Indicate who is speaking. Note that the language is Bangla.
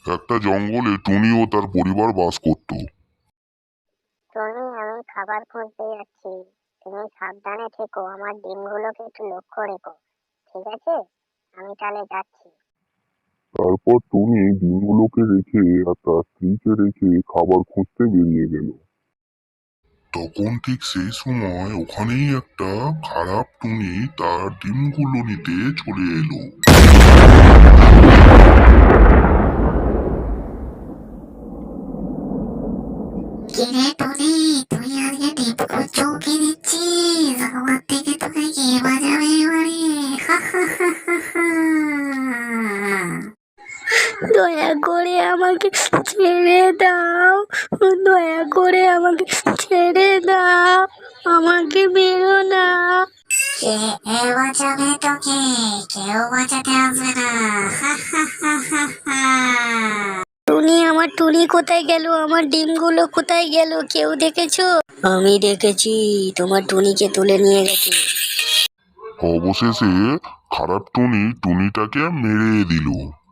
Speaker 1: একটা জঙ্গলে টুনি ও তার পরিবার বাস করত।
Speaker 2: টনি, আমি খাবার খুঁজতে যাচ্ছি। তুমি সাবধানে থেকো, আমার ডিমগুলোকে একটু লক্ষ্য রেখো, ঠিক আছে? আমি তাহলে যাচ্ছি।
Speaker 1: তারপর টুনি ডিমগুলোকে রেখে আর তার স্ত্রীকে রেখে খাবার খুঁজতে বেরিয়ে গেল। তখন ঠিক সেই সময় ওখানেই একটা খারাপ টুনি তার ডিমগুলো নিতে চলে এলো।
Speaker 3: কিরে টনি, তুই আজকে ডিপকো চৌকি দিচ্ছিস? আমার থেকে তোকে কে বাজাবে এবারে? হা হা হা হা হা।
Speaker 4: দয়া করে আমাকে ছেড়ে দাও, দয়া করে আমাকে ছেড়ে দাও, আমাকে মেরো না।
Speaker 3: কে বাঁচাবে তোকে? কেউ বাঁচাতে আসবে না। হা হা হা হা হা।
Speaker 4: টুনি, আমার টুনি কোথায় গেল? আমার ডিমগুলো কোথায় গেল? কেউ দেখেছো? আমি দেখেছি, তোমার টুনিকে তুলে নিয়ে গেছে।
Speaker 1: অবশেষে খারাপ টুনি টুনিটাকে মেরে দিল।